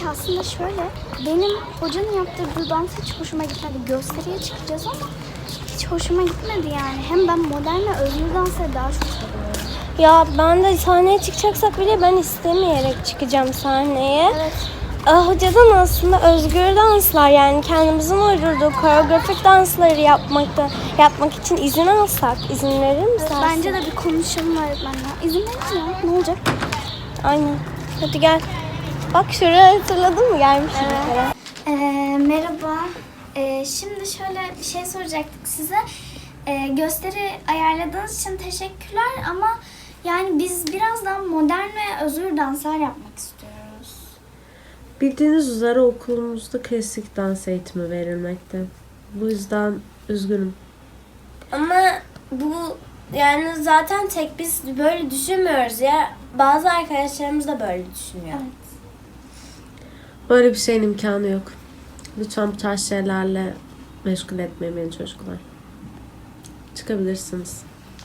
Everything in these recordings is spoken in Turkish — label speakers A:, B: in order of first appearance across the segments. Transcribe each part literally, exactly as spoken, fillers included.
A: aslında şöyle, benim hocanın yaptırdığı dans hiç hoşuma gitmedi. Gösteriye çıkacağız ama hiç hoşuma gitmedi yani. Hem ben modern ve özgür dansları daha çok seviyorum.
B: Ya ben de sahneye çıkacaksak bile ben istemeyerek çıkacağım sahneye.
A: Evet.
B: Ah, hocadan aslında özgür danslar, yani kendimizin uydurduğu koreografik dansları yapmakta yapmak için izin alsak, izin verir misin?
A: Evet, bence de bir konuşalım öğretmenle. İzin verin ya, ne olacak?
B: Aynen. Hadi gel. Bak şuraya, hatırladın mı? Gelmişim bir kere.
A: Ee, merhaba. Ee, şimdi şöyle bir şey soracaktık size. Ee, gösteri ayarladığınız için teşekkürler ama yani biz birazdan modern ve özgür danslar yapmak istiyoruz.
C: Bildiğiniz üzere okulumuzda klasik dans eğitimi verilmekte. Bu yüzden üzgünüm.
B: Ama bu yani zaten tek biz böyle düşünmüyoruz ya. Bazı arkadaşlarımız da böyle düşünüyor.
A: Evet.
C: Böyle bir şeyin imkanı yok. Lütfen bu tarz şeylerle meşgul etmeyin beni çocuklar. Çıkabilirsiniz.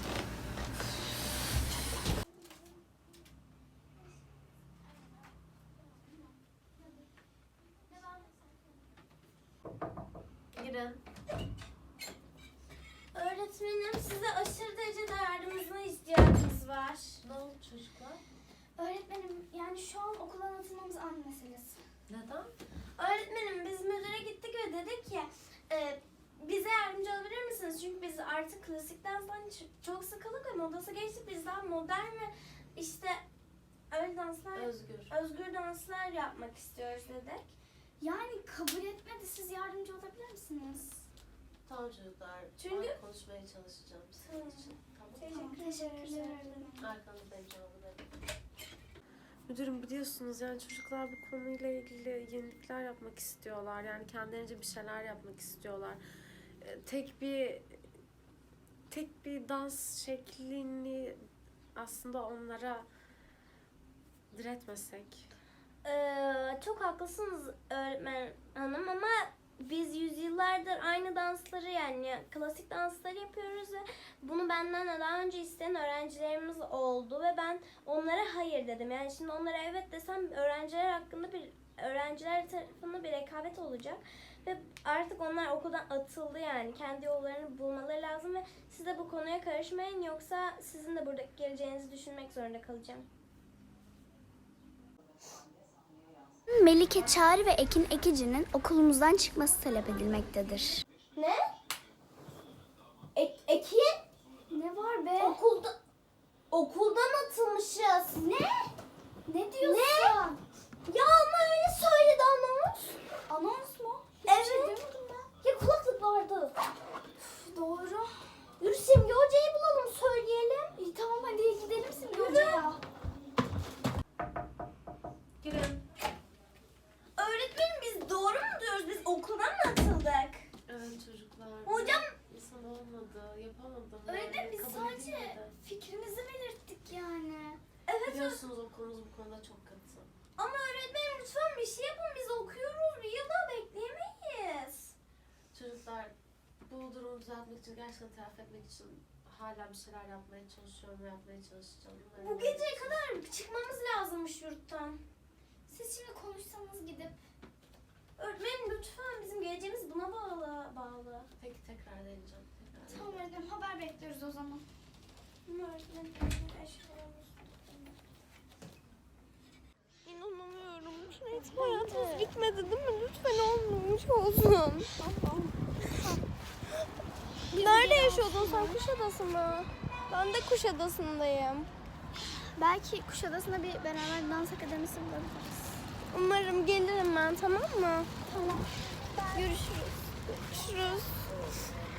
B: Girin. Öğretmenim, size aşırı derecede yardımınıza ihtiyacımız var. Ne oldu çocuklar?
A: Öğretmenim yani şu an okula atılmamız an meselesi.
C: Neden?
B: Öğretmenim, biz müdüre gittik ve dedik ki e, bize yardımcı olabilir misiniz? Çünkü biz artık klasik danstan ç- çok sıkıldık ve modası geçtik. Biz daha modern ve işte öyle danslar,
C: Özgür.
B: özgür danslar yapmak istiyoruz dedik.
A: Yani kabul etmedi, siz yardımcı olabilir misiniz?
C: Tamam çocuklar.
B: Çünkü-
C: Ben konuşmaya çalışacağım sizin
B: Tamam.
C: için. Tamam.
B: Teşekkür
A: Teşekkürler.
C: Arkanızdayım cevabı Müdürüm, biliyorsunuz yani çocuklar bu konuyla ilgili yenilikler yapmak istiyorlar. Yani kendilerince bir şeyler yapmak istiyorlar. Ee, Tek bir tek bir dans şeklini aslında onlara diretmesek.
B: Ee, çok haklısınız öğretmen hanım ama biz yüzyıllardır aynı dansları, yani klasik dansları yapıyoruz ve bunu benden de daha önce isteyen öğrencilerimiz oldu ve ben onlara hayır dedim. Yani şimdi onlara evet desem öğrenciler hakkında bir öğrenciler tarafında bir rekabet olacak ve artık onlar okuldan atıldı, yani kendi yollarını bulmaları lazım ve siz de bu konuya karışmayın, yoksa sizin de burada geleceğinizi düşünmek zorunda kalacağım.
A: Melike Çağrı ve Ekin Ekici'nin okulumuzdan çıkması talep edilmektedir.
B: Ne? Ek, Ekin?
A: Ne var be?
B: Okulda okuldan atılmışız.
A: Ne? Ne diyorsun?
B: Ne? Ya ama öyle söyledi anons.
A: Anons mu?
B: Evet.
A: Hiçbir şey duymadım ben.
B: Ya kulaklık vardı.
A: Üf, doğru.
B: Yürü Simge Hoca'yı bulalım, söyleyelim.
A: İyi tamam hadi gidelim Simge Hoca'ya.
C: Girin.
B: Öğretmenim, biz doğru mu diyoruz? Biz okuldan mı atıldık?
C: Evet çocuklar.
B: Hocam.
C: İnsan olmadı, yapamadım.
A: Öğretmenim biz
C: Kabul
A: sadece
C: edilmedi.
A: fikrimizi belirttik yani.
B: Evet.
C: Biliyorsunuz okulumuz bu konuda çok katı.
B: Ama öğretmenim lütfen bir şey yapın. Biz okuyoruz. Bir yıl daha bekleyemeyiz.
C: Çocuklar, bu durumu düzeltmek için, gerçekten telafi etmek için hala bir şeyler yapmaya çalışıyorum ve yapmaya çalışacağım.
B: Bu geceye kadar çıkmamız lazımmış yurttan.
A: Siz şimdi konuşsanız gidip.
B: Öğretmenim lütfen, bizim geleceğimiz buna bağlı. bağlı.
C: Peki tekrar deneyeceğim. Tekrar
A: Tamam öğretmenim haber bekliyoruz o zaman.
B: Öğretmenim eşyalarımız. İnanamıyorum. Hiç hayatımız bitmedi değil mi? Lütfen olmamış olsun. Nerede yaşıyordun sen? Kuşadası mı? Ben de Kuşadası'ndayım.
A: Belki Kuşadası'nda bir beraber dans akademisi bulabiliriz.
B: Umarım gelirim ben, tamam mı? Tamam. Görüşürüz. Görüşürüz.